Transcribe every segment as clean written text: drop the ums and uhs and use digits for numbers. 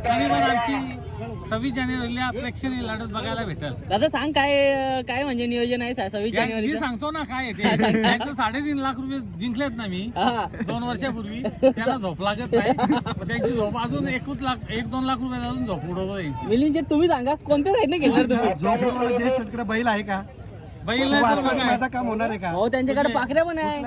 तरी पण आमची 26 जानेवारीला प्रेक्षणीय लढत बघायला भेटल. दादा सांग काय काय म्हणजे नियोजन आहे 26 मी जानेवारीचं? सांगतो ना काय आहे ते. त्यांचं 3.5 लाख रुपये जिंकलेत ना मी 2 वर्षापूर्वी. त्यांना झोप लागत नाही. मग त्यांची झोप अजून 1-2 लाख रुपये अजून झोप उडवतो त्यांची. मिलिंद शेठ तुम्ही सांगा कोणत्या साईडने खेळणार तुम्ही? झोपडवाला जय शेटकडे बैल आहे का? बैल नाही तर बघा. माझं काम होणार आहे का? हो त्यांच्याकडे पाखऱ्या पण आहे.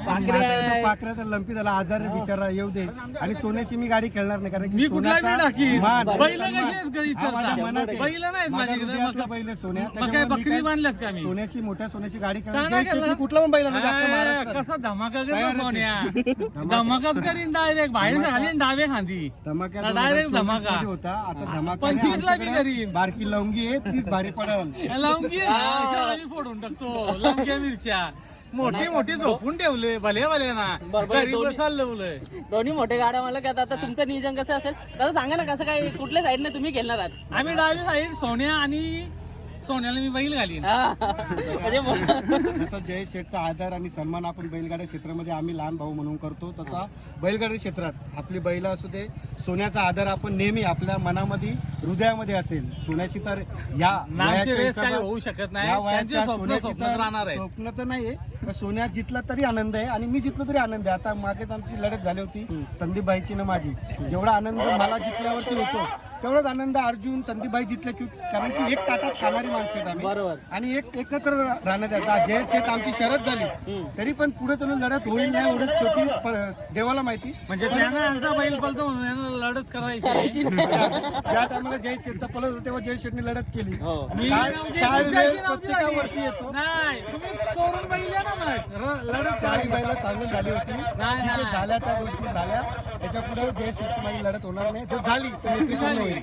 पाखऱ्या तर लंपी झाला, आजार आहे बिचारा, येऊ दे. आणि सोन्याची मी गाडी खेळणार नाही कारण मी की कुठला बी टाकीन. मान, बैल सन्मान. कशी आहेत घरी हा माझ्या चरता? मनात आहे. बैल नाहीत माझ्या माझ्याकडे. हृदयातला बैल आहे सोन्या. मग काय त्याच्यामुळे मी बकरी काय बांधल्यात का मी? सोन्याची मोठ्या सोन्याची गाडी का खेळणार. नाही जय शेट केलं? कुठला पण बैल आणू दे, अख्ख्या महाराष्ट्रात. कसा धमाका तयारच करतो आहे. सोन्या. धमाकाच करीन डायरेक्ट बाहेर घालीन डावे खांदी. धमाका डायरेक्ट 2024 धमाका. मध्ये होता. आता धमाका 25 ला बी करीन. बारकी लवंगी आहे, तीच भारी पडल. लवंगी मी फोडून टाकतो. लवंग्या मिरच्या मोठी मोठी झोपून ठेवले भले भले ना. बरोबर, घरी दोन्ही- बसायला लावलंय. दोन्ही मोठे गाड्या मला काय आता तुमचं नियोजन कसं असेल दादा सांगा ना कसं काय कुठल्या साईडने तुम्ही खेळणार आहात? आम्ही डावी साईड सोन्या आणि सोन्याला मी बैल घालीन. म्हणजे मोठं- जसं जय शेठचा आदर आणि सन्मान आपण बैलगाड्या क्षेत्रामध्ये आम्ही लहान भाऊ म्हणून करतो, तसा बैलगाडी क्षेत्रात आपली बैल असू दे, सोन्याचा आदर आपण नेहमी आपल्या मनामध्ये हृदयामध्ये असेल. सोन्याची तर या नामची वयाच्या रेस काही हिशोबात- होऊ शकत नाही. या त्यांचे वयाच्या स्वप्न सोन्याची स्वप्नच तर राहणार आहे. स्वप्न तर नाहीये, पण सोन्या जितला तरी आनंद आहे आणि मी जितलो तरी आनंद आहे. आता मागेच आमची लढत झाली होती संदीप भाईची ना माझी. जेवढा आनंद मला जितल्यावरती होतो तेवढाच आनंद अर्जुन संदीप भाई जितले की, कारण की एक ताटात खाणारी माणसं आहेत आम्ही बरोबर. आणि एकत्र राहण्यात आता जय शेठ आमची शरद झाली तरी पण पुढे त्यांना लढत होईल नाही एवढं शेवटी देवाला माहिती. म्हणजे त्यानं आमचा बैल पळतो म्हणून यांना लढत करायची. ज्या टायमाला जय शेठचा पलट होता तेव्हा जय शेठने लढत केली. मी काय- म्हणजे काय तुमच्याशी वेळ नव्हती प्रत्येकावरती झाली. येतो. नाही तुम्ही करून बैल आहे ना मग लढत चारी करायची. बाईला सांगून झाली होती नाही, ठीक आहे, नाही. झाल्या त्या गोष्टी झाल्या. त्याच्या पुढे जय शेठची माझी लढत होणार नाही. जर झाली तर मैत्री पूर्ण होईल.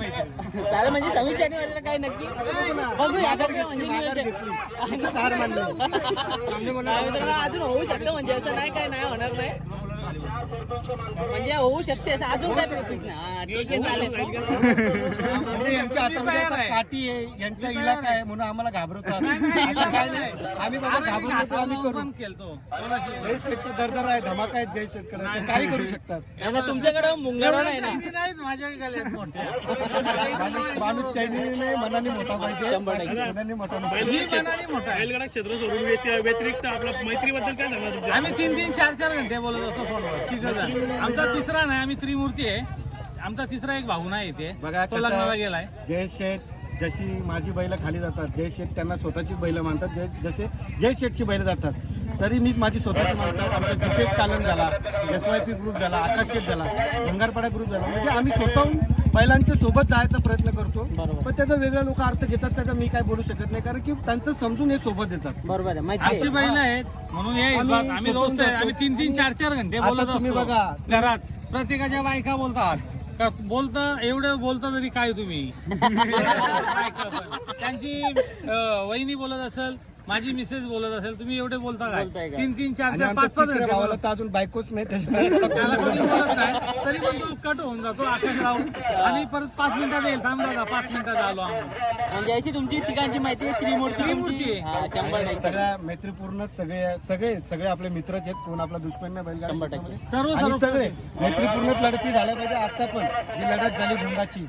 चालेल म्हणजे 26 जानेवारीला काय नक्की बघूया आता काय म्हणजे माघार नियोजन. घेतली. इथंच हार मानली. सामने मला काय मित्रांनो, अजून होऊ शकतं म्हणजे असं नाही काय नाही होणार नाही म्हणजे होऊ शकते असं अजून काय फिक्स नाही. हा ठीक आहे चालेल. म्हणजे यांच्या हातामध्ये आता काठी आहे, यांचा इलाका आहे म्हणून आम्हाला घाबरवतात. असं काय नाही, आम्ही बाबा घाबरलो तर आम्ही करू. खेळतो. जय शेठचा दरदर आहे, धमाका आहे जय शेठकडे, ते काही करू शकतात. आणि तुमच्याकडे मुंगळा नाही ना नाहीत माझ्या गळ्यात मोठ्या. माणूस चैनीने मनाने मोठा पाहिजे, 100% सोन्याने मोठा नसतो. मी मनाने मोठा आहे. बैलगाडा क्षेत्र सोडून व्यतिरिक्त आपल्या मैत्रीबद्दल काय सांगणार तुमच्या? आम्ही 3-3, 4-4 घंटे बोलत असतो फोनवर. तिघं जण. आमचा तिसरा नाही, आम्ही त्रिमूर्ती आहे. आमचा तिसरा एक भाऊ नाही इथे, बघा तो कसं लग्नाला आहे, गेलाय. जय शेठ जशी माझी बैल खाली जातात, जय शेठ त्यांना स्वतःची बैल मानतात. जसे जय शेठची बैल जातात तरी मी माझी स्वतःची मानतात. आमचा जितेश कालन झाला, SYP ग्रुप झाला, आकाश शेठ झाला, भंगारपाडा ग्रुप झाला. म्हणजे आम्ही स्वतःहून बैलांच्या सोबत जायचा प्रयत्न करतो. पण त्याचा वेगळा लोक अर्थ घेतात, त्याचा मी काय बोलू शकत नाही कारण की त्यांचं समजून हे सोबत देतात. बरोबर आहे माहिती आमची आहे. बैल आहेत म्हणून हे आम्ही आम्ही दोस्त आहे. आम्ही 3-3, 4-4 घंटे आता बोलत तुम्ही असतो बघा. घरात. प्रत्येकाच्या बायका बोलतात का बोलता एवढं बोलता तरी काय तुम्ही बायका पण. त्यांची वहिनी बोलत असेल, माझी मिसेस बोलत असेल, तुम्ही एवढे बोलता काय? बोलताय काय? 3-3, आणि 4-4, आमच्या 5-5 तिसऱ्या घंटे भावाला बोलत. तर अजून बायकोच नाही त्याच्यामुळे त्याला कोणी बोलत नाही तरी पण तो कट होऊन जातो आकाशराव आणि परत 5 मिनिटात येईल. थांब दादा 5 मिनिटात आलो आम्ही. म्हणजे अशी तुमची तिघांची मैत्री आहे, त्रिमूर्ती त्रिमूर्ती तुमची. आहे. हा, 100%. सगळ्या मैत्रीपूर्णच सगळे आपले मित्रच आहेत. कोण आपला दुश्मन नाही बैलगाडी 100%. क्षेत्रामध्ये. सर्व आणि सगळे मैत्रीपूर्णच लढती झाल्या पाहिजे. आता पण जी लढत झाली भुंगाची,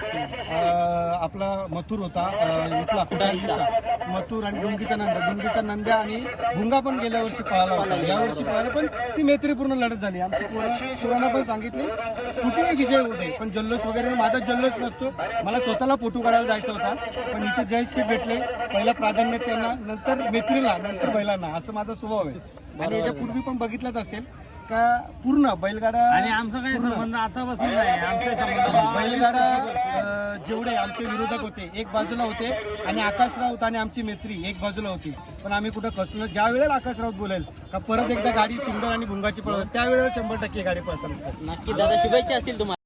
आपला मथुर होता इथला कुठारीचा मथुर आणि डुंगीचा नंद्या आणि भुंगा पण गेल्या वर्षी पळाला होता. या वर्षी पळाला पण ती मैत्रीपूर्ण लढत झाली. आमची पोरांना पण सांगितले कुठेही विजय होऊ दे पण जल्लोष वगैरे माझा जल्लोष नसतो. मला स्वतःला फोटो काढायला जायचा होता पण इथे जयश्री भेटले. पहिला प्राधान्य त्यांना, नंतर मैत्रीला, नंतर बैलांना, असं माझा स्वभाव आहे. आणि याच्या पूर्वी पण बघितलंच असेल का पूर्ण बैलगाडा आणि आमचा काही संबंध आतापासून नाही. आमचे संबंध बैलगाडा जेवढे आमचे विरोधक होते एक बाजूला होते आणि आकाश राऊत आणि आमची मैत्री एक बाजूला होती. पण आम्ही कुठं खचलो. ज्या वेळेला आकाश राऊत बोलेल का परत एकदा गाडी सुंदर आणि भुंगाची पळवत त्यावेळेला 100% गाडी पळतात. नक्की दादा शुभेच्छा असतील तुम्हाला.